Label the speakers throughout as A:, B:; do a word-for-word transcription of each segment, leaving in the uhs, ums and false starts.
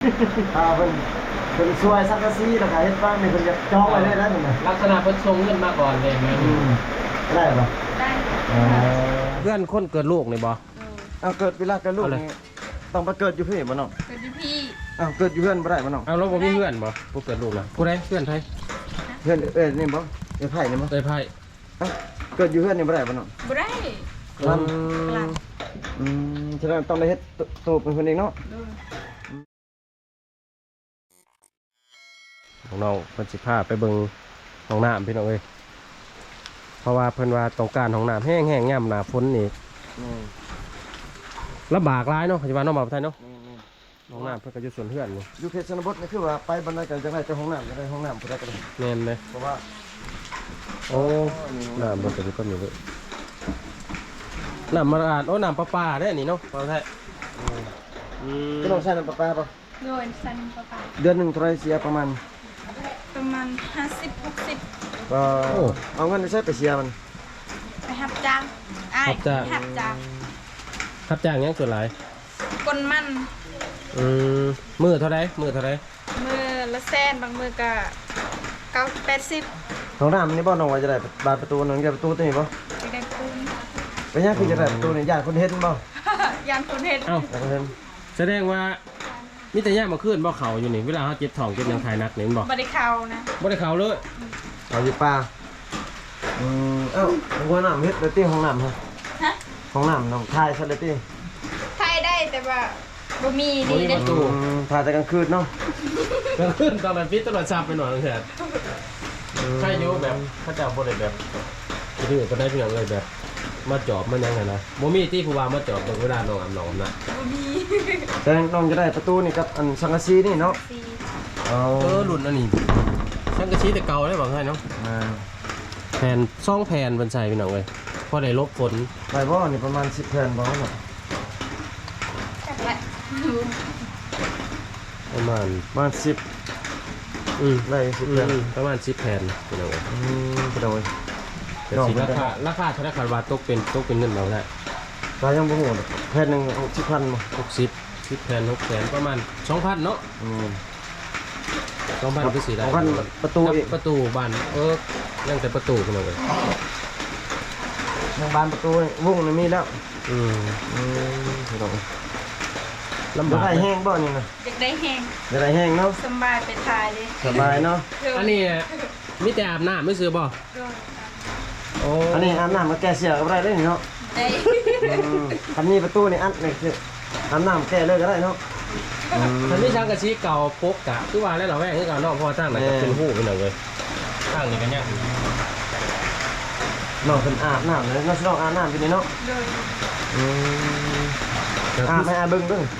A: อ่าเพิ่นเพิ่นช่วยสักกะซีแล้วก็เฮ็ดบ้านนี่เพิ่นจะจองไว้ได้แล้วนั่นน่ะ
B: ลักษณะเพิ่นส่งเงินมาก่อนเลยแม่
A: อืมได้บ่
C: ได้
A: อ๋อ
B: เพื่อนคนเกิดลูกนี่บ่
A: เอาเกิดเวลาเกิดลูกนี่ต้องไปเกิดอยู่พี่บ่น้อง
C: เป็นพี่
A: อ้าวเกิดอยู่เพื่อนบ่ได้บ่น้อง
B: เอาแล้วบ่มีเพื่อนบ่ผู้เกิดลูกน่ะผู้ใดเพื่อนไทย
A: เพื่อนเอ้ยนี่บ่เอ้ยไผนี่บ่
B: เอ้ยไพ่
A: อ้าวเกิดอยู่เพื่อนนี่บ่ได้บ่น้อง
C: บ่ได้
A: นั่น
C: กลับ
A: อืมฉะนั้นต้องได้เฮ็ดตัวเป็นคนเองเนาะ
B: น้องๆเพิ่นสิพาไปเบิ่งห้องน้ำพี่น้องเอ้ยเพราะว่าเพิ่นว่าต้องการห้องน้ำแห้งๆย่ำหน้าฝนนี่
A: นี่
B: ลำบากหลายเนาะปัจจุบันน้องบ่าวไทยเนาะ
A: นี่นี่
B: ห้องน้ำเพิ่นก็อยู่สวนเพื่อนนี่
A: อยู่เขตชนบทนี่คือว่าไปบันไดกันจังได๋เจ้าห้องน้ำจังได๋ห้องน้ำผู้ใดก็ได้
B: แม่นเลย
A: เพราะว่า
B: โอ้น้ำมันก็อยู่ก็มีเลยน้ำมาอาดโอ้น้ำประปาได้นี่เนาะบ่าวไทยอืม
A: พี่น้องใช้น้ำประปาป่ะ
C: โดนสันประปา
A: เดือนหนึงเท่าไหร่เสียประมาณ
C: ประมาณห้าสิบหกสิบ
A: ก็เอาเงินไปใช้ไปเสียมัน
C: ไปหับจ้างอ้ายหับจ้าง
B: ครับจ้างยังส่วนหลาย
C: กนมัน
B: อืมมือเท่าไรมือเท่าไร
C: มือละแสนบางมือก็เก้าแปดสิบ
A: ห้องน้ำนี่บ่น้องว่าจะได้บานประตูนึงจะประตูตัวนี้บ่
C: ไปได้ปูน
A: ไปยังคือจะได้ประตูนี่ญาติคนเฮ็ดบ่
C: ยานคนเห็น
B: เอ้า
A: ญาติคนเฮ็ด
B: แสดงว่ามีแต่ย่ามาขึ้นบ่เขาอยู่นี่เวลาเขาเจ็บท้องเจ็บหยังทายนักนี่มันบอก
C: บริเขานะ
B: บ่ได้เขาเลย
A: เอาอยู่ป่าอืมเอ้าห้องน้ำเฮ็ดเลยติห้องน้ำฮะ
C: ฮะ
A: ห้องน้ำน้องทายซะเลยติ
C: ไทยได้แต่ว่าบ่มี
B: บ่
C: ดี
B: มี
C: เด้
B: ประตู
A: อืมทายแต่กลางคืนเนาะ
B: กลางคืนตอนนั้นปิดตลอดซับไปหน่อยนึงเถิดใช่อยู่แบบเขาเจ้าบ่ได้แบบคือก็ได้เพียงเลยแบบมาจอบมันยังไงนะบ่มีที่ผู้ว่ามาจอบตรงเวลาน้องอาบน้ำนะ
C: บ่มี
A: แต่น้องจะได้ประตูนี่กับอันสังกะสีนี่เนาะ
C: สี
A: เอา
B: เออรุ่นอันนี้ช่างกระชี้แต่เก่าได้บอกให้เนาะ
A: อ่า
B: แผ่นซ่องแผ่นบนใส่พี่น้องเลยพอได้ลบฝน
A: ไปบ่นี่ประมาณสิบแผ่นบ่เนาะ
C: จักละ
B: ประมาณ
A: ประมาณสิบ
B: อืม
A: ได้สิบ
B: อื
A: แผ่น
B: มประมาณสิบแผ่นพี่น้องเลย
A: อืมไปโดย
B: แต่สิราคาราคาธนาคารวาตกเป็นตกเป็นเงินเราได้
A: ตายยังบ่ฮู้ดอกแผ่นหนึงสิบพันบ่
B: หกสิบสิบแผ่นหกแผ่นประมาณสองพันเนาะ
A: อืม
B: สองพันคือสี่ได้
A: สองพันประตูอีก
B: ประตูบานเออยังแต่ประตูพี่น้องเลย
A: ทางบานประตูนี่วงนี่มีแล้ว
B: อืม
A: อืมไปโดย
B: ลำ
A: บ่
B: บาก
A: ได้แห้งบ่นี่นะ
C: อยากได้แห้ง
A: บ่ได้แห้งเนาะ
C: สำบายไปทายเลย
A: สบายเนาะ
B: อันนี้มีแต่อาบน้ำไม่ซื้อบ่
C: โดน
B: โอ้
A: อันนี้อาบน้ำมาแก้เสียก็บ่ได้เด้นี่เนาะ
C: ได้
A: อืมคันนี้ประตูนี่อัดนี่คืออาบน้ำแก้เลยก็ได้เนาะอืม
B: มันมีช่างกระชี้เก่าพกกะคือว่าแล้วเราแว่งคือเก่าเนอกเพราะว่าตั้งไหนจะเป็นหู้พี่น้องเลยตั้งนี่กันเนี่ย
A: น้องเพิ่นอาบน้ำเลยน้องสิน้องอาบน้ำอยู่นี่เนาะ
C: โดน
A: อืมอาบให้อาบเบิ่งเบิ่ง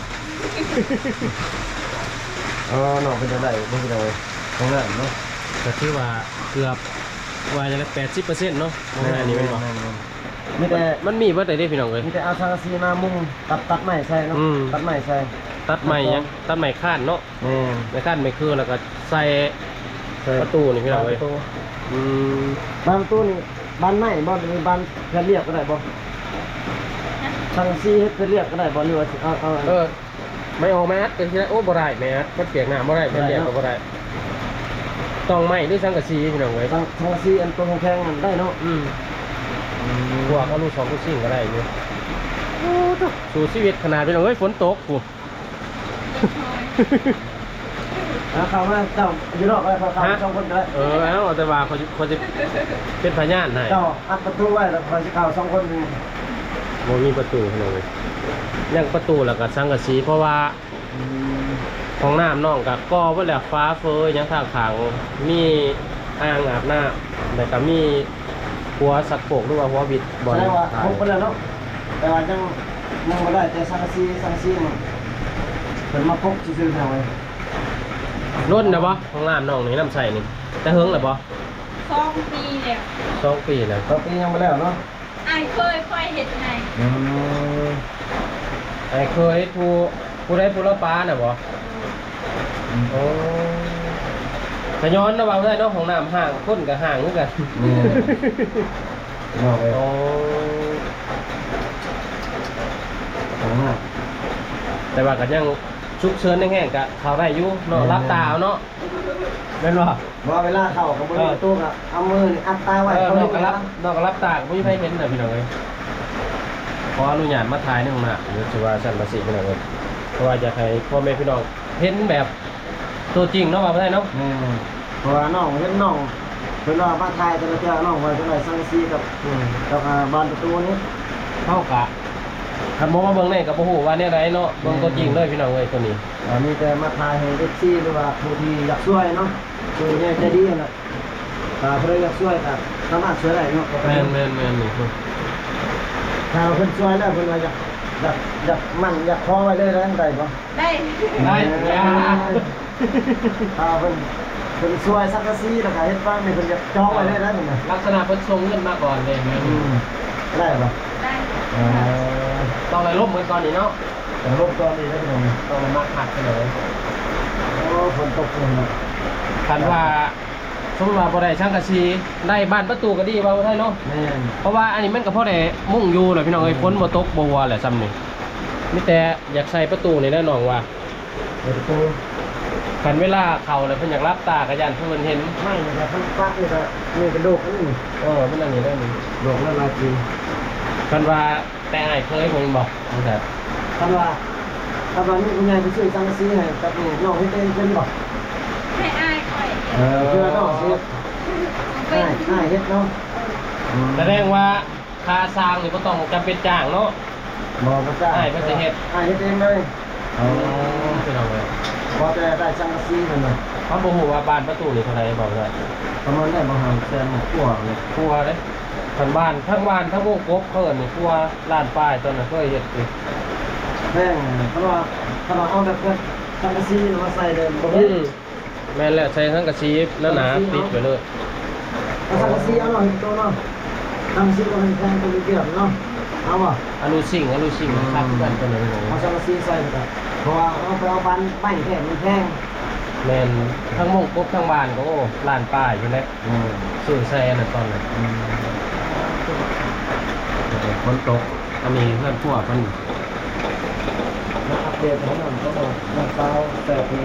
A: อ๋อน้องเพิ่นจะได้เบิ่งได้ตรงนั้นเนาะ
B: ก็คือว่าเกือบว่าจะได้แปดสิบเปอร์เซ็นต์เนาะของงานนี้เป็นบ่
A: มีแต่
B: มันมีเบิดได้เด้พี่น้องเลย
A: มีแต่เอาสังกะสีมามุงตัดตัดไม้ใส่เนาะ
B: อืม
A: ตัดไม้ใส่
B: ตัดใหม่ยังตัดใหม่ข้านเนาะ
A: แม่น
B: ไม่ข้านไม่คือแล้วก็ใส่
A: ใส่
B: ประตูนี่พี่น้องเลย
A: ประตู
B: อืม
A: บานประตูนี่บานไม้บ่หรือบานเพื่อนเรียกก็ได้บ่สังกะสีเฮ็ดเพื่อนเรียกก็ได้บ่หรือว่าสิเอาเอา
B: เออไม่ออกแมสก็คือโอ้บ่ได้แมสมันเปียกน้ำบ่ได้แผ่นเดียวก็บ่ได้ต้องไหม้ด้วยสังกะสีพี่น้องเลย
A: สังสังกะสีอันตัวแข็งๆนั่นได้เนาะ
B: อืมพวกเอาลูกสองลูกซิ่งก็ได้อยู่สู่ชีวิตขนาดพี่น้องเอ้ยฝนตกกู
A: เอาเข้ามาเจ้าอยู่นอกอะไรเข้าเข้าสองคนก็ได้
B: เออเอาแต่ว่าเขาจะเขาจะเป็นพยานให้
A: เจ้าอัดประตูไว้แล้วคอยสิเข้าสองคนนี่
B: โมมีประตูพี่น้องเลยยังประตูแล้วก็สังกะสีเพราะว่าห้องน้ำน้องกับก่อไว้แล้วฟ้าเฟยยังทางขางมีอ่างอาบน้ำแต่ก็มีหัวสักโปกหรือว่าหัวบิดบอล
A: แสดงว่า
B: ถ่า
A: ค
B: ย
A: รบไปแล้วเนาะแต่ว่ายังยังบ่ได้แต่สังกะสีสังกะสีนี่เพิ่นมาพกซื่อๆเท่าไว้
B: ร่นนะบ่ห้องน้ำน้องนี่น้ำใส่นี่แต่เฮิงหรือบ่
C: สองปีแล้ว
B: สองปีแล้ว
A: ตอนนี้ยังบ่แล้วเนาะ
C: อ้ายเคยค่อยเห็ดให้
A: อืม
B: ไอ้เคยผู้ผู้ได้ผู้ละปลาน่ะบ่โอ้ขย้อนนะว่าได้เนาะห้องน้ำห่างคนกับห่างเหมือนกัน
A: นี่เนาะเอ้ย
B: โอ้
A: เอามา
B: แต่ว่าก็ยังชุกเชิญแห้งๆกะเขาได้อยู่เนาะรับตาเอาเนาะแม่นบ่
A: บ่เวลาเข้ากับมือตู้ก็เอามือนี่อัดตาไว้
B: เออ
A: เขา
B: น
A: ดู
B: อก
A: กั
B: ก็
A: น
B: รั
A: รั
B: บบ นอกก็รับตาก็บ่มีใครเห็นน่ะพี่น้องเอ้ยขออนุญาตมาถ่ายในห้องน้ำหรือสิว่าสั่นภาษีพี่น้องเอ้ยเพราะว่าอยากให้พ่อแม่พี่น้องเห็นแบบตัวจริงเนาะว่าบ่ได้เนาะ
A: แม่เพราะว่าน้องเห็นน้องเพิ่นว่ามาถ่ายแต่ละเทื่อน้องไว้เท่าไหร่สังซีกับ
B: อืม
A: กับอ่าบ้านประตูนี้
B: เท่ากะคันบ่มาเบิ่งในก็บ่ฮู้ว่าแนวใดเนาะเบิ่งตัวจริงเลยพี่น้องเอ้ยตัวนี้
A: อ่ามีแต่มาถ่ายให้เอฟซีหรือว่าผู้ที่อยากช่วยเนาะคือเนี่ยใจดีนั่นแหละถ้าเพิ่นอยากช่วยก็สามารถช่วยได้เนาะ
B: แม่นแม่นแม่นนี่คือ
A: ถ้าเพิ่นช่วยแล้วเพิ่นว่าอยากอยากอยากมั่นอยากขอไว้เลยแล้วได้บ่
C: ได้
B: ได้ยา
A: ถ้าเพิ่นเพิ่นช่วยสักกะซีแล้วก็เฮ็ดบ้านนี่เพิ่นอยากจองไว้เลยนะนี่นะ
B: ลักษณะเพิ่นส่งเงินมาก่อนเด้แม่น
A: อืมได้บ่
C: ได้
A: เออ
B: ต้องเลยลบเหมือนก่อนนี่เนาะ
A: แต่รบตอนนี้ได้บ่
B: ต้องเลยมาหักกันเลย
A: โอ้ฝนตกเลยนะ
B: คันว่าสมมุติว่าบ่ได้ช่างกะซีได้บ้านประตูก็ดีว่าบ่ได้เนาะ
A: แม่น
B: เพราะว่าอันนี้มันก็พอได้มุ่งอยู่แหละพี่น้องเอ้ยฝนบ่ตกบ่ว่าแหละซ้ำนี่มีแต่อยากใส่ประตูนี่แน่น้องว่า
A: เปิดประตู
B: คันเวลาเข้าแล้วเพิ่นอยากรับตากะยันเพิ่นเห็น
A: ไม่นะครับเพิ่นปักนี่ก็นี่เป็นโรคอันนี้
B: เออมันอันนี้ได้นี่
A: โรคละลายจริง
B: คันว่าแต่อ้ายเคยเพิ่นบอกจังซั่น
A: คำว่าคำว่านี่คุณยายไปซื้อสังกะสีให้กับนี่น้องเฮ็ดเองเป็นบ่
C: ให้อายคอย
A: เออเพื่อน้องสิ
C: เป็
A: ให้
C: น
A: ให้เฮ็ดเนาะ
B: แสดงว่าค่าสร้างนี่บ่ต้องจำเป็นจ้างเนาะ
A: บ่บ่จ้า
B: ให้เพิ่นสิเฮ็ด
A: ให้เฮ็ดเองเลย
B: อ๋อพี่น้องเอ้ย
A: พอแต่ได้สังกะสีนั่นน่ะ
B: เขาบ่ฮู้ว่าบ้านประตูนี่เท่าไหร่บอกได้
A: ประมาณได้บ่ห่างแสนกว่าเลย
B: ครัวเด้ทั้งบ้านทั้งบ้านทั้งวงกบเพิ่นนี่ครัวร้านป้ายตอนนั้นเคยเฮ็ดอยู่
A: แพงเพราะว่าถ้าเราเอาแบบเพิ่นสังกะสีมาใส่เดิมบ่
B: อื
A: เฮ็ด
B: มแม่นแล้วใช้ทั้งกระชีพแล้วหนาติดไปเลย
A: เอาสังกะสีเอาหน่อยตัวเนาะสังกะสีก็มันแพงตัวนี้เดียวเนาะเอาบ่
B: อนุสิ่งอนุสิ่งครับกันตัวนี้
A: เอาสังกะสีใส่ก็เพราะว่าเอาไปเอาบ้านไม้แท้มันแพง
B: แม่นทั้งวงกบทั้งบ้านก็โอ้ร้านป้ายอยู่แล้ว
A: อืม
B: ซื้อแซ่นั่นตอนนั้นฝนตกอันนี้เพื่อนพวกมัน
A: มาอัปเดตให้หน่อยก็บอกน้ำเปล่าแปดปี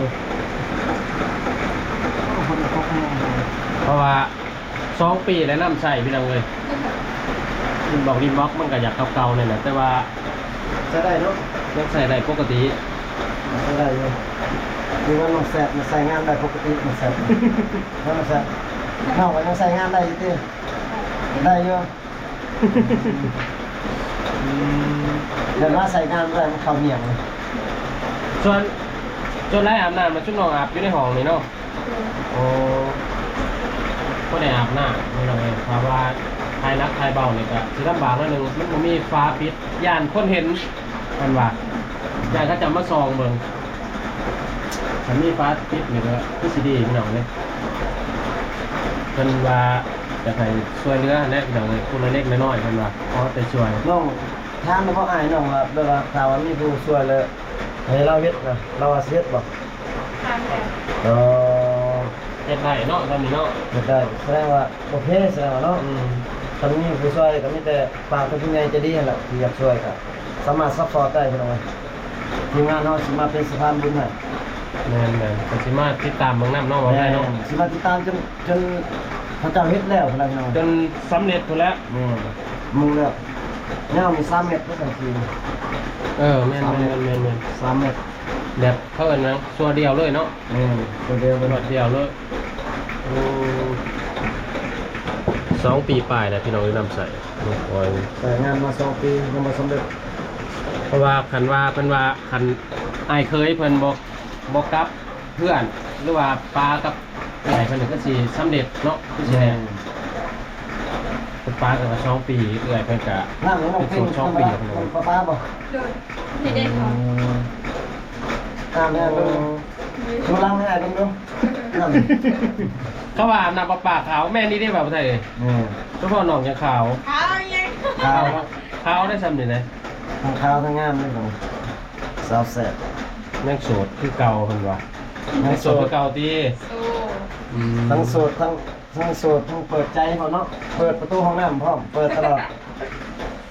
A: คนเขาแพง
B: เพราะว่าสองปีแล้วน้ำใส่พี่น้องเลยดินบอกดินบล็อกมันก็อยากเก่าๆเนี่ยแหละแต่ว่า
A: ใช้ได้เนาะ
B: ยังใส่ได้ปกติ
A: ใช้ได้อยู่ดูว่าน้องแสบมันใส่งานได้ปกติมันแสบน้องแสบน้องก็ยังใส่งานได้อยู่ติได้อยู่เดี๋ยวว่าใส่งานไม่ได้มันเข้าเหนียงเลย
B: ส่วนจนไล่อาบน้ำมาชุดนอนอาบอยู่ในห้องนี่เนาะโอ้ก็ได้อาบน้ำนี่เลยเพราะว่าทายนักทายเบาเนี่ยก็สิลำบากนิดนึงมันบ่มีฟ้าปิดย่านคนเห็นกันว่าย่านเขาจะมาซองเบิ่งถ้ามีฟ้าปิดนี่ก็คือสิดีพี่น้องเลยเพิ่นว่าจะให้ช่วยเหลือแน่พี่น้องเลยคนละเล็กน้อยๆเพิ่นว่าขอแต่ช่วย
A: น้องทานแล้วพ่ออายน้องว่าเวลาข่าวว่ามีผู้ช่วยเลยให้เราเฮ็ดนะเราว่าสิเฮ็ดบ่
C: ทำแบบ
A: เออ
B: เฮ็ดได้เนาะตอนนี้เนาะ
A: เฮ็ดได้แสดงว่าโอเคแสดงว่าเนาะ
B: อืม
A: ตอนนี้ผู้ช่วยก็มีแต่ฝากเป็นผู้ใหญ่ใจะดีนั่นแหละที่อยากช่วยก็สามารถซัพพอร์ตได้พี่น้องเอ้ยทีมงานเฮาสิมาเป็นสะพานบุญให้
B: แม่นแม่นก็สิมาติดตามเบิ่งน้ำเนาะว่าได้เนาะ
A: สิมาติดตามจนจนพระเจ้าเฮ็ดแล้วพุ่นล่ะพี่น้อง
B: จนสำเร็จพุ่นแล้ว
A: นี่มึงแล้วยาวมีสามเมตรแล้วกันที
B: เออแม่นแม่นแม่นแม่น
A: สามเมตร
B: แบบเขาเอิ้นว่าสัวเดียวเลยเนาะ
A: นี่ตัวเดียว
B: ต
A: เป็น
B: ลอดเดียวเลยอืมสองปีปลายแล้วพี่น้องนำใส่ลูกออย
A: แต่งานมาสองปียังบ่สำเร็จ
B: เพราะว่าคันว่าเพิ่นว่าคันอ้ายเคยเพิ่นบ่บ่กลับเพื่อนหรือว่าปลากับไก่เพิ่นก็สิสำเร็จเนาะคือสิแน่เพิ่นปลากันมาสองปีเอื้อยเพิ่นก็
A: นั่งน้องเพลง
B: สองปี
A: ธรรม
B: แล้ว
A: ดาป้าป้าบ่
C: โดยที่ได้ของ
A: ตามแม่ดูดูลังให้ดูดูนั่น
B: เขาว่าน้ำประปาขาวแม่นี่ได้แบบไทยเลย
A: นี่
B: เฉพาะหนองยังขาว
C: เอายัง
A: ขาว
B: ขาวได้ซ้ำนี่นะ
A: ทั้งขาวทั้งงามเลยของสาวแซ่บ
B: แม่งโสดคือเก่าเพิ่นว่าแม่งโสดคือเก่าตี
C: สู้
B: อืม
A: ทั้งโสดทั้งทั้งโสดทั้งเปิดใจพร้อมเนาะเปิดประตูห้องน้ำพร้อมเปิดตลอด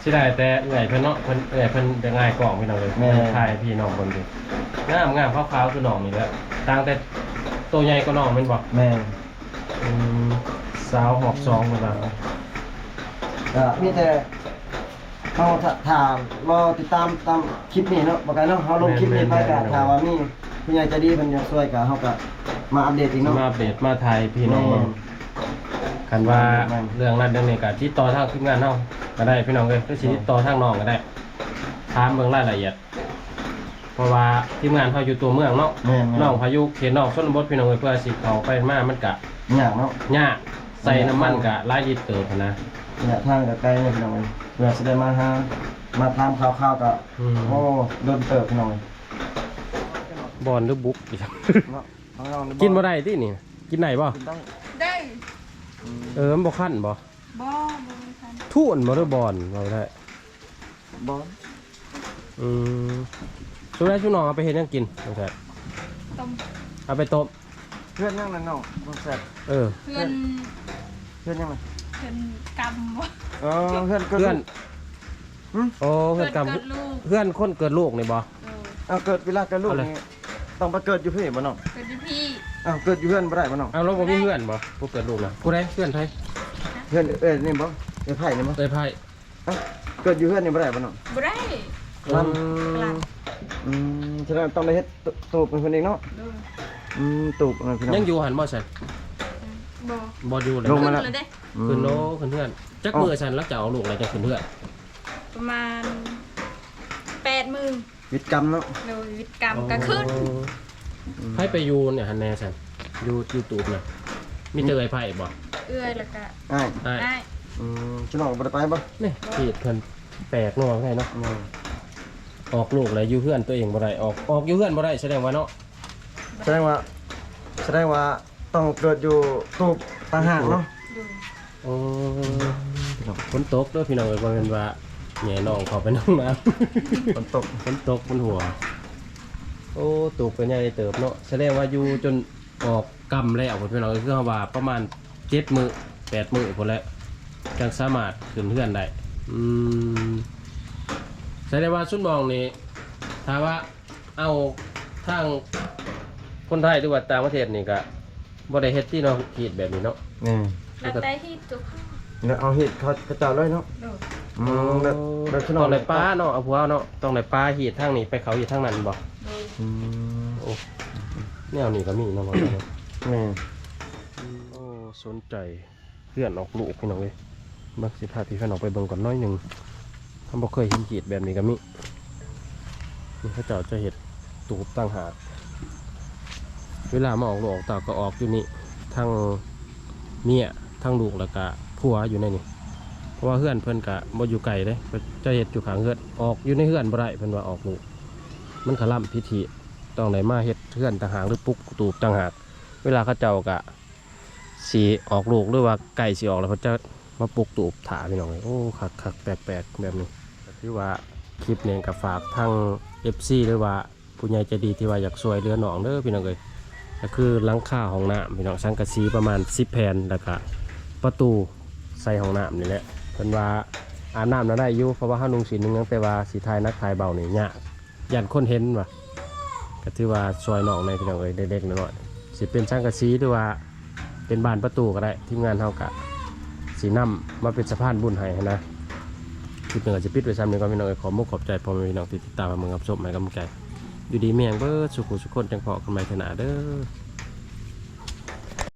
B: สิได้แต่เอื่อยเพิ่นเนาะเพิ่นเอื่อยเพิ่นจะง่ายกล่องพี่น้องเลยแม่ถ่ายพี่น้องเบิ่งดิงามงามขาวๆคือน้องนี่แหละต่างแต่ตัวใหญ่กว่าน้องแม่นบ่
A: แม่น
B: อืมสาวหอบซองพุ่นน่ะ
A: ก็มีแต่เฮาถ้าถ้ารอติดตามตามคลิปนี้เนาะบ่ไกลเนาะเฮาลงคลิปนี้ไปก็ถ้าว่ามีผู้ใหญ่ใจดีเพิ่นอยากช่วยก็เฮาก็มาอัปเดตอีกเนาะ
B: มาอัปเดตมาถ่ายพี่น้องเบิ่งคันว่าเรื่องนั้นเรื่องนี้ก็ติดต่อทางทีมงานเฮาก็ได้พี่น้องเอ้ยหรือสิติดต่อทางน้องก็ได้ถามเบิ่งรายละเอียดเพราะว่าทีมงานเขาอยู่ตัวเมืองเนาะ
A: แม่นๆ
B: น้องพายุเขตนอกชนบทพี่น้องเอ้ยเพื่อสิเข้าไปมามันก็
A: ยากเนาะ
B: ยากใส่น้ำมันก็หลายลิตรเติบหั้นนะ
A: เนี่ยทางก็ไกลเนี่ยพี่น้องเอ้ยเพื่อสิได้มาหามาถามข่าวๆก็
B: อืม
A: โอ้โดนเติบพี่น้องเอ้ย
B: บอลหรือบุกอีก
A: เนาะข้างนอก
B: กินบ่ได้ตินี่กินได้บ่
A: กินได้
C: ได้
B: เออมันบ่คั่นบ่
C: บ่บ่มีคัน
B: ทุ่นบ่หรือบอลบ่ได้
A: บ่
B: อืมสุดท้ายชุน้องเอาไปเฮ็ดหยังกินบ่ใช่
C: ต้ม
B: เอาไปต้ม
A: เพื่อนยังนั่นน้องบ่แซ่บ
B: เออ
C: เพื่อน
A: เพื่อนยังไง
C: เพื่อนกำบ่
A: เออเพื่อนก็
B: เพื่อน
A: หึ
B: โอ้เพื่อนกรรม
C: เกิดลูก
B: เพื่อนคนเกิดลูกนี่บ่
C: เออ
A: เอาเกิดเวลาเกิดลูก
B: เอาเลย
A: นี่ต้องไปเกิดอยู่พี่บ่น้อง
C: เกิดที่พี่
A: อ้าวเกิดอยู่เพื่อนบ่ได้บ่น้อง
B: เอาแล้วบ่มีเพื่อนบ่ผู้เกิดลูกน่ะผู้ใดเพื่อนไผ
A: เพื่อนเอ้ยนี่บ่เอ้ยไผนี่บ่
B: เอ้ยไผ
A: เอ้าเกิดอยู่เพื่อนนี่บ่ได้บ่น้อง
C: บ่ได้
A: ล
B: อืม
A: อืมฉะนั้นต้องได้เฮ็ดตตูบเป็นคนเองเนาะ
C: โดน
A: อืมตูบนะพี่น้อง
B: ยังอยู่หันบ่ซั่น
C: บ่
B: บ่อยู่เลย
A: ลงมาแล้ว
C: ขึ้นเลยเด้
A: อืม
B: ขึ้นโลขึ้นเพื่อนจักมือซั่นแล้วจะเอาลูกอะไรจะขึ้นเพื่อน
C: ประมาณแปดหมื่น
A: วิทย์กรรมเนาะ
C: โดยวิทย์กรรมก็ขึ้น
B: ไผไปอยู่เนี่ยหันแน่ซั่นอยู่ยูทูบน่ะมีเจอไอ้ไผบ่
C: เอื้อยแล้วก็
A: อ้าย
B: ใช่
C: ได้
A: อืมพี่น้องบ่ได้ไปบ่
B: นี่ขีดเพิ่นแปลกเนาะไงเนาะ
A: อืม
B: ออกลูกเลยอยู่เพื่อนตัวเองบ่ได้ออกออกอยู่เพื่อนบ่ได้แสดงว่าเนาะ
A: แสดงว่าแสดงว่าต้องเกิดอยู่ตูบต่างหากเนาะ
C: โดย
B: โอ้ฝนตกเด้อพี่น้องเอ้ยบ่แม่นว่าแหน่น้องเขาไปน้องน้ำ
A: ฝนตก
B: ฝนตกบนหัว โอ้ตูกเป็นใหญ่เติบเนาะแสดงว่าอยู่จนออกกำแล้วพี่น้องคือเฮาว่าประมาณเจ็ดมื้อแปดมื้อพุ่นแหละจังสามารถขึ้นเพื่อนได้อืมแสดงว่าชุดมองนี่ถ้าว่าเอาทางคนไทยหรือว่าต่างประเทศนี่ก็บ่ได้เฮ็ดที่เนาะขีดแบบนี้เนาะ
A: นี่
C: แล้วแต่ที่ตัวเขา
A: แล้วเอาเห็ดเขากระเจ้าเลยเนาะ
C: โดย
A: อืมแบบแบบพี่น้
B: ต้
A: อ
B: อง งได้ปลาเนาะเอาผัวเนาะต้องได้ปลาหีดทางนี้ไปเขาหีดทางนั้นบ่
C: โดย
A: อืม
B: โอ้แนวนี้ก็มีเนาะบ่เนาะ
A: นี่
B: โอ้สนใจเพื่อนออกลูกพี่น้องเอ้ยมักสิพาพี่เพื่อนออกไปเบิ่งก่อนน้อยหนึงทำบ่เคยเห็นขีดแบบนี้ก็มีนี่เขาเจ้าจะเฮ็ดตูบตั้งหากเวลามาออกลูกออกเตาก็ออกอยู่นี่ทั้งเมียทั้งลูกแล้วก็ผัวอยู่ในนี่เพราะว่าเพื่อนเพิ่นก็บ่อยู่ไกลเด้เพิ่นจะเฮ็ดอยู่ข้างเฮือนออกอยู่ในเฮือนบ่ได้เพิ่นว่าออกลูกมันขล่ำพิธีต้องได้มาเฮ็ดเฮือนต่างหากหรือปลุกตูบต่างหากเวลาเขาเจ้าก็สิออกลูกหรือว่าไก่สิออกแล้วเขาจะมาปลุกตูบถาพี่น้องเลยโอ้คักคักแปลกแปลกๆแบบนี้ก็ถือว่าคลิปนี้ก็ฝากทั้ง เอฟ ซี หรือว่าผู้ใหญ่ใจดีที่ว่าอยากช่วยเหลือน้องเด้อพี่น้องเอ้ยก็คือหลังคาห้องน้ำพี่น้องสังกะสีประมาณสิบแผ่นแล้วก็ประตูใส่ห้องน้ำนี่แหละเพิ่นว่าอาบน้ำน่ะได้อยู่เพราะว่าเฮานุ่งสีนึงยังแต่ว่าสีทายนักทายเบานี่ยากยันคนเห็นว่ะก็ถือว่าช่วยน้องในพี่น้องเอ้ยเด็กๆน้อยๆสิเป็นสังกะสีหรือว่าเป็นบานประตูก็ได้ทีมงานเฮาก็สีน้ำมาเป็นสะพานบุญให้นะคลิปหนึ่งอาจจะปิดไว้ซ้ำหนึ่งก็พี่น้องเอ้ยขอมุกขอบใจพ่อแม่พี่น้องที่ติดตามมาเมืองกับชมให้กำลังใจอยู่ดีเมียงเบิร์ดสุขุสุขคนจังพอกันใหม่ขนาดเด้อ